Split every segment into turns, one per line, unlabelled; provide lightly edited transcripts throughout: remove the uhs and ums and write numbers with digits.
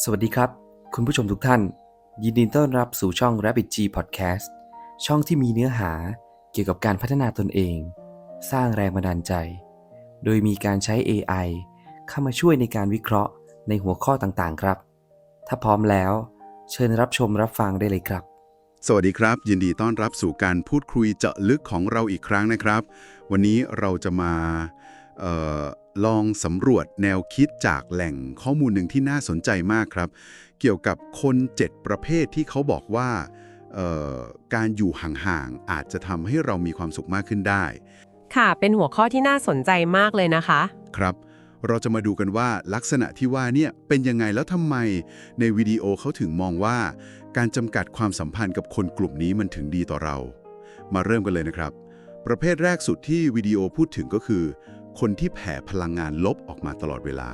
สวัสดีครับคุณผู้ชมทุกท่านยินดีต้อนรับสู่ช่อง Rabbit G Podcast ช่องที่มีเนื้อหาเกี่ยวกับการพัฒนาตนเองสร้างแรงบันดาลใจโดยมีการใช้ AI เข้ามาช่วยในการวิเคราะห์ในหัวข้อต่างๆครับถ้าพร้อมแล้วเชิญรับชมรับฟังได้เลยครับ
สวัสดีครับยินดีต้อนรับสู่การพูดคุยเจาะลึกของเราอีกครั้งนะครับวันนี้เราจะมาลองสำรวจแนวคิดจากแหล่งข้อมูลหนึ่งที่น่าสนใจมากครับเกี่ยวกับคน7ประเภทที่เขาบอกว่าการอยู่ห่างๆอาจจะทำให้เรามีความสุขมากขึ้นได้
ค่ะเป็นหัวข้อที่น่าสนใจมากเลยนะคะ
ครับเราจะมาดูกันว่าลักษณะที่ว่าเนี่ยเป็นยังไงแล้วทำไมในวิดีโอเขาถึงมองว่าการจำกัดความสัมพันธ์กับคนกลุ่มนี้มันถึงดีต่อเรามาเริ่มกันเลยนะครับประเภทแรกสุดที่วิดีโอพูดถึงก็คือคนที่แผ่พลังงานลบออกมาตลอดเวลา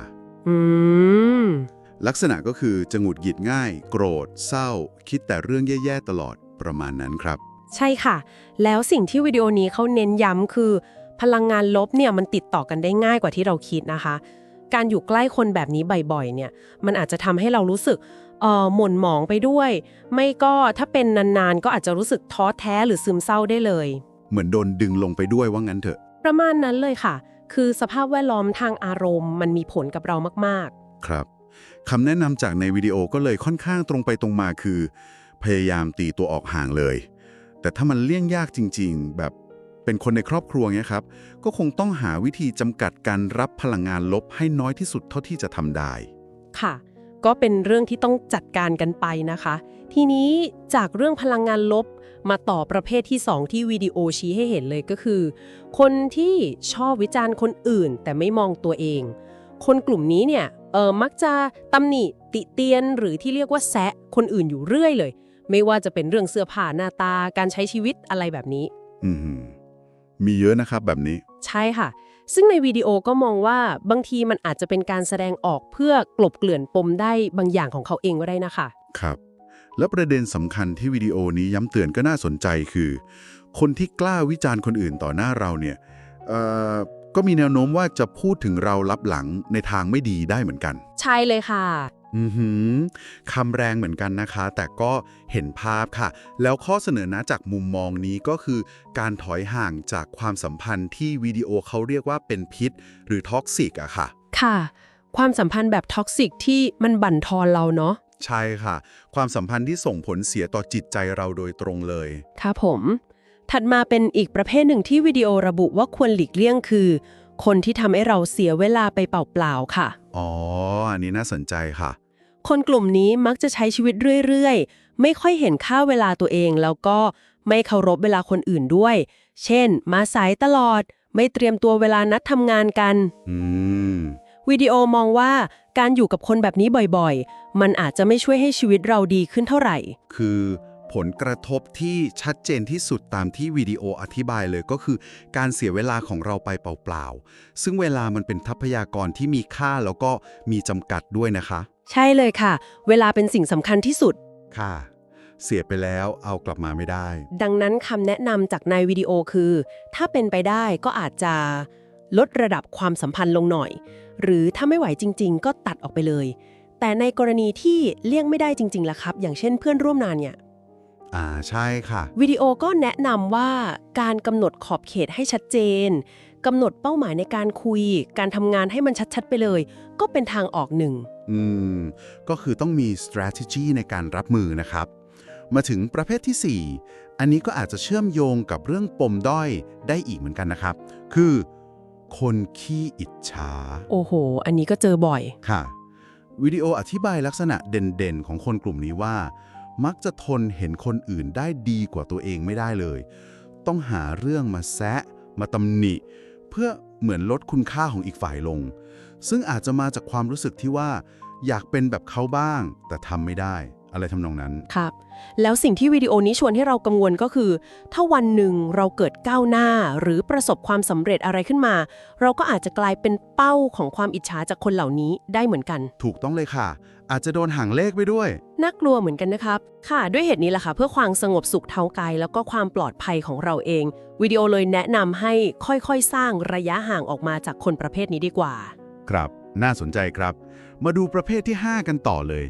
ลักษณะก็คือจะหงุดหงิดง่ายโกรธเศร้าคิดแต่เรื่องแย่ๆตลอดประมาณนั้นครับ
ใช่ค่ะแล้วสิ่งที่วิดีโอนี้เขาเน้นย้ำคือพลังงานลบเนี่ยมันติดต่อกันได้ง่ายกว่าที่เราคิดนะคะการอยู่ใกล้คนแบบนี้บ่อยๆเนี่ยมันอาจจะทำให้เรารู้สึกหม่นหมองไปด้วยไม่ก็ถ้าเป็นนานๆก็อาจจะรู้สึกท้อแท้หรือซึมเศร้าได้เลย
เหมือนโดนดึงลงไปด้วยว่างั้นเถอะ
ประมาณนั้นเลยค่ะคือสภาพแวดล้อมทางอารมณ์มันมีผลกับเรามาก
ๆครับคำแนะนำจากในวิดีโอก็เลยค่อนข้างตรงไปตรงมาคือพยายามตีตัวออกห่างเลยแต่ถ้ามันเลี่ยงยากจริงๆแบบเป็นคนในครอบครัวเงี้ยครับก็คงต้องหาวิธีจำกัดการรับพลังงานลบให้น้อยที่สุดเท่าที่จะทำได้
ค่ะก็เป็นเรื่องที่ต้องจัดการกันไปนะคะทีนี้จากเรื่องพลังงานลบมาต่อประเภทที่2ที่วิดีโอชี้ให้เห็นเลยก็คือคนที่ชอบวิจารณ์คนอื่นแต่ไม่มองตัวเองคนกลุ่มนี้เนี่ยมักจะตำหนิติเตียนหรือที่เรียกว่าแซะคนอื่นอยู่เรื่อยเลยไม่ว่าจะเป็นเรื่องเสื้อผ้าหน้าตาการใช้ชีวิตอะไรแบบนี้
มีเยอะนะครับแบบนี้
ใช่ค่ะซึ่งในวิดีโอก็มองว่าบางทีมันอาจจะเป็นการแสดงออกเพื่อกลบเกลื่อนปมได้บางอย่างของเขาเองก็ได้นะคะ
ครับแล้วประเด็นสำคัญที่วิดีโอนี้ย้ำเตือนก็น่าสนใจคือคนที่กล้าวิจารณ์คนอื่นต่อหน้าเราเนี่ยก็มีแนวโน้มว่าจะพูดถึงเราลับหลังในทางไม่ดีได้เหมือนกัน
ใช่เลยค่ะ
คำแรงเหมือนกันนะคะแต่ก็เห็นภาพค่ะแล้วข้อเสนอแนะจากมุมมองนี้ก็คือการถอยห่างจากความสัมพันธ์ที่วิดีโอเขาเรียกว่าเป็นพิษหรือท็อกซิกอะค่ะ
ค่ะความสัมพันธ์แบบท็อกซิกที่มันบั่นทอนเราเนาะ
ใช่ค่ะความสัมพันธ์ที่ส่งผลเสียต่อจิตใจเราโดยตรงเลย
ค่ะผมถัดมาเป็นอีกประเภทหนึ่งที่วิดีโอระบุว่าควรหลีกเลี่ยงคือคนที่ทำให้เราเสียเวลาไปเปล่าๆค่ะ
อ๋ออันนี้น่าสนใจค่ะ
คนกลุ่มนี้มักจะใช้ชีวิตเรื่อยๆไม่ค่อยเห็นค่าเวลาตัวเองแล้วก็ไม่เคารพเวลาคนอื่นด้วยเช่นมาสายตลอดไม่เตรียมตัวเวลานัดทำงานกันวิดีโอมองว่าการอยู่กับคนแบบนี้บ่อยๆมันอาจจะไม่ช่วยให้ชีวิตเราดีขึ้นเท่าไหร่
คือผลกระทบที่ชัดเจนที่สุดตามที่วิดีโออธิบายเลยก็คือการเสียเวลาของเราไปเปล่าๆซึ่งเวลามันเป็นทรัพยากรที่มีค่าแล้วก็มีจำกัดด้วยนะคะ
ใช่เลยค่ะเวลาเป็นสิ่งสำคัญที่สุด
ค่ะเสียไปแล้วเอากลับมาไม่ได้
ดังนั้นคำแนะนำจากในวิดีโอคือถ้าเป็นไปได้ก็อาจจะลดระดับความสัมพันธ์ลงหน่อยหรือถ้าไม่ไหวจริงๆก็ตัดออกไปเลยแต่ในกรณีที่เลี่ยงไม่ได้จริงๆล่ะครับอย่างเช่นเพื่อนร่วมงานเนี่ย
ใช่ค่ะ
วิดีโอก็แนะนำว่าการกำหนดขอบเขตให้ชัดเจนกำหนดเป้าหมายในการคุยการทำงานให้มันชัดๆไปเลยก็เป็นทางออกหนึ่ง
ก็คือต้องมี strategy ในการรับมือนะครับมาถึงประเภทที่ 4อันนี้ก็อาจจะเชื่อมโยงกับเรื่องปมด้อยได้อีกเหมือนกันนะครับคือคนขี้อิจฉา
โอ้โหอันนี้ก็เจอบ่อย
ค่ะวิดีโออธิบายลักษณะเด่นๆของคนกลุ่มนี้ว่ามักจะทนเห็นคนอื่นได้ดีกว่าตัวเองไม่ได้เลยต้องหาเรื่องมาแซะมาตำหนิเพื่อเหมือนลดคุณค่าของอีกฝ่ายลงซึ่งอาจจะมาจากความรู้สึกที่ว่าอยากเป็นแบบเขาบ้างแต่ทำไม่ได้อะไรทำนองนั้น
ครับแล้วสิ่งที่วิดีโอนี้ชวนให้เรากังวลก็คือถ้าวันหนึ่งเราเกิดก้าวหน้าหรือประสบความสำเร็จอะไรขึ้นมาเราก็อาจจะกลายเป็นเป้าของความอิจฉาจากคนเหล่านี้ได้เหมือนกัน
ถูกต้องเลยค่ะอาจจะโดนห่างเลขไปด้วย
น่ากลัวเหมือนกันนะครับค่ะด้วยเหตุนี้แหละค่ะเพื่อความสงบสุขทางกายแล้วก็ความปลอดภัยของเราเองวิดีโอเลยแนะนำให้ค่อยๆสร้างระยะห่างออกมาจากคนประเภทนี้ดีกว่า
ครับน่าสนใจครับมาดูประเภทที่ 5 กันต่อเลย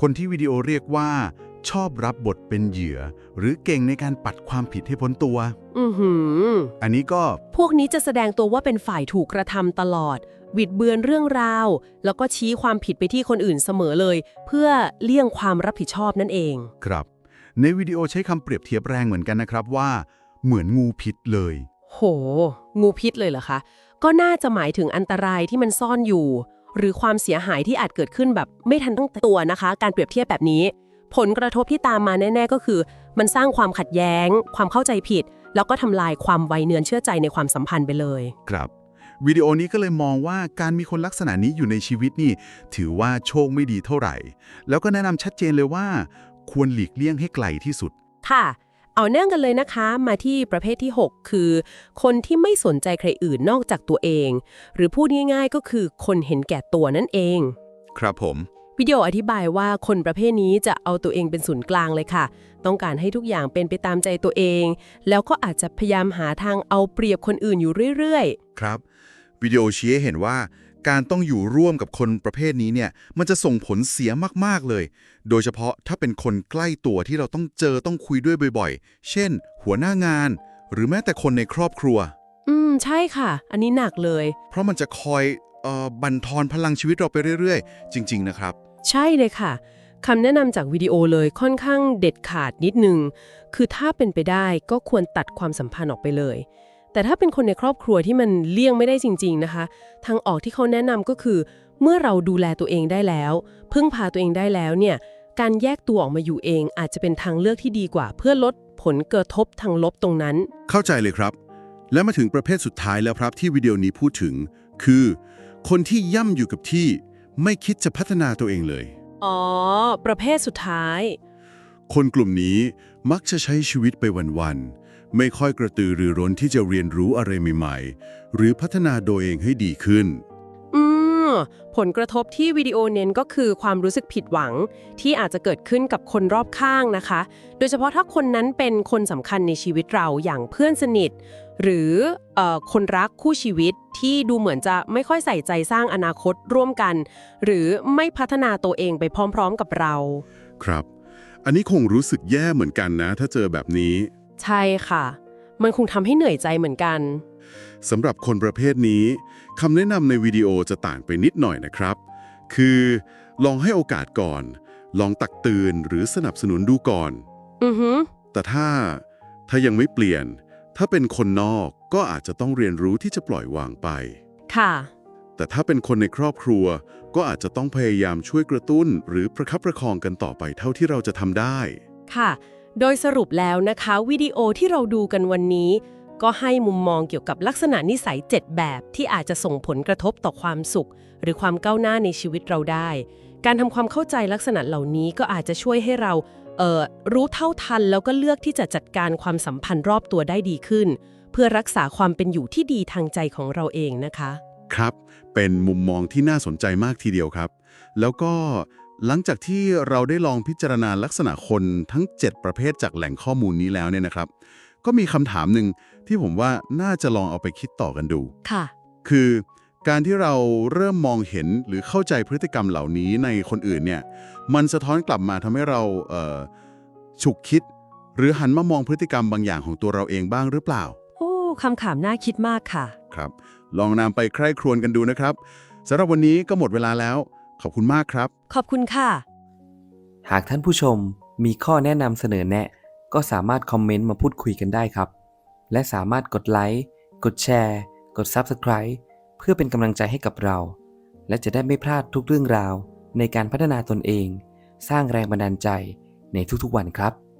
คนที่วิดีโอเรียกว่าชอบรับบทเป็นเหยื่อ หรือเก่งในการปัดความผิดให้พ้นตัว อันนี้ก็
พวกนี้จะแสดงตัวว่าเป็นฝ่ายถูกกระทำตลอดบิดเบือนเรื่องราวแล้วก็ชี้ความผิดไปที่คนอื่นเสมอเลย เพื่อเลี่ยงความรับผิดชอบนั่นเอง
ครับในวิดีโอใช้คำเปรียบเทียบแรงเหมือนกันนะครับว่าเหมือนงูพิษเลย
โห งูพิษเลยเหรอคะ ก็น่าจะหมายถึงอันตรายที่มันซ่อนอยู่ หรือความเสียหายที่อาจเกิดขึ้นแบบไม่ทันตั้งตัวนะคะ การเปรียบเทียบแบบนี้ ผลกระทบที่ตามมาแน่ๆก็คือ มันสร้างความขัดแย้ง ความเข้าใจผิด แล้วก็ทำลายความไว้เนื้อเชื่อใจในความสัมพันธ์ไปเลย
ครับวิดีโอนี้ก็เลยมองว่าการมีคนลักษณะนี้อยู่ในชีวิตนี่ถือว่าโชคไม่ดีเท่าไหร่ แล้วก็แนะนำชัดเจนเลยว่าควรหลีกเลี่ยงให้ไกลที่สุด
ค่ะ เอาเนื่องกันเลยนะคะ มาที่ประเภทที่ 6 คือ คนที่ไม่สนใจใครอื่นนอกจากตัวเอง หรือพูดง่ายๆก็คือคนเห็นแก่ตัวนั่นเอง
ครับผม
วิดีโออธิบายว่าคนประเภทนี้จะเอาตัวเองเป็นศูนย์กลางเลยค่ะ ต้องการให้ทุกอย่างเป็นไปตามใจตัวเอง แล้วก็อาจจะพยายามหาทางเอาเปรียบคนอื่นอยู่เรื่อย
ครับวิดีโอชี้ให้เห็นว่าการต้องอยู่ร่วมกับคนประเภทนี้เนี่ยมันจะส่งผลเสียมากๆเลย โดยเฉพาะถ้าเป็นคนใกล้ตัวที่เราต้องเจอต้องคุยด้วยบ่อยๆ เช่น หัวหน้างาน หรือแม้แต่คนในครอบครัว
ใช่ค่ะ อันนี้หนักเลย
เพราะมันจะคอยบั่นทอนพลังชีวิตเราไปเรื่อยๆ จริงๆนะครับ
ใช่เลยค่ะคำแนะนำจากวิดีโอเลยค่อนข้างเด็ดขาดนิดนึง คือถ้าเป็นไปได้ก็ควรตัดความสัมพันธ์ออกไปเลย แต่ถ้าเป็นคนในครอบครัวที่มันเลี่ยงไม่ได้จริงๆนะคะ ทางออกที่เขาแนะนำก็คือ เมื่อเราดูแลตัวเองได้แล้ว พึ่งพาตัวเองได้แล้วเนี่ย การแยกตัวออกมาอยู่เองอาจจะเป็นทางเลือกที่ดีกว่า เพื่อลดผลกระทบทางลบตรงนั้น
เข้าใจเลยครับ และมาถึงประเภทสุดท้ายแล้วครับที่วิดีโอนี้พูดถึง คือคนที่ย่ำอยู่กับที่ไม่คิดจะพัฒนาตัวเองเลย
อ๋อ ประเภทสุดท้าย
คนกลุ่มนี้มักจะใช้ชีวิตไปวันๆไม่ค่อยกระตือรือร้นที่จะเรียนรู้อะไรใหม่ๆหรือพัฒนาตัวเองให้ดีขึ้น
ผลกระทบที่วิดีโอเน้นก็คือความรู้สึกผิดหวังที่อาจจะเกิดขึ้นกับคนรอบข้างนะคะ โดยเฉพาะถ้าคนนั้นเป็นคนสำคัญในชีวิตเราอย่างเพื่อนสนิท หรือคนรักคู่ชีวิตที่ดูเหมือนจะไม่ค่อยใส่ใจสร้างอนาคตร่วมกัน หรือไม่พัฒนาตัวเองไปพร้อมๆกับเรา
ครับ อันนี้คงรู้สึกแย่เหมือนกันนะถ้าเจอแบบนี้
ใช่ค่ะ มันคงทำให้เหนื่อยใจเหมือนกัน
สำหรับคนประเภทนี้คำแนะนำในวิดีโอจะต่างไปนิดหน่อยนะครับ คือลองให้โอกาสก่อน ลองตักเตือนหรือสนับสนุนดูก่อน แต่ถ้ายังไม่เปลี่ยน ถ้าเป็นคนนอกก็อาจจะต้องเรียนรู้ที่จะปล่อยวางไป
ค่ะ
แต่ถ้าเป็นคนในครอบครัวก็อาจจะต้องพยายามช่วยกระตุ้น หรือประคับประคองกันต่อไปเท่าที่เราจะทำได้
ค่ะ โดยสรุปแล้วนะคะวิดีโอที่เราดูกันวันนี้ ก็ให้มุมมองเกี่ยวกับลักษณะนิสัย 7 แบบที่อาจจะส่งผลกระทบต่อความสุข หรือความก้าวหน้าในชีวิตเราได้ การทำความเข้าใจลักษณะเหล่านี้ก็อาจจะช่วยให้เรารู้เท่าทันแล้วก็เลือกที่จะจัดการความสัมพันธ์รอบตัวได้ดีขึ้น เพื่อรักษาความเป็นอยู่ที่ดีทางใจของเราเองนะคะ
ครับ เป็นมุมมองที่น่าสนใจมากทีเดียวครับ แล้วก็หลังจากที่เราได้ลองพิจารณาลักษณะคนทั้ง 7 ประเภทจากแหล่งข้อมูลนี้แล้วเนี่ยนะครับ ก็มีคำถามหนึ่งที่ผมว่าน่าจะลองเอาไปคิดต่อกันดู
ค่ะ
คือการที่เราเริ่มมองเห็นหรือเข้าใจพฤติกรรมเหล่านี้ในคนอื่นเนี่ยมันสะท้อนกลับมาทำให้เราฉุกคิด หรือหันมามองพฤติกรรมบางอย่างของตัวเราเองบ้างหรือเปล่า
โอ้คำถามน่าคิดมากค่ะ
ครับ ลองนำไปใคร่ครวญกันดูนะครับสำหรับวันนี้ก็หมดเวลาแล้ว ขอบคุณมากครับ
ขอบคุณค่ะ
หากท่านผู้ชมมีข้อแนะนำเสนอแนะ ก็สามารถคอมเมนต์มาพูดคุยกันได้ครับ และสามารถกดไลค์ กดแชร์ กด Subscribe เพื่อเป็นกำลังใจให้กับเรา และจะได้ไม่พลาดทุกเรื่องราวในการพัฒนาตนเอง สร้างแรงบันดาลใจในทุกๆวันครับ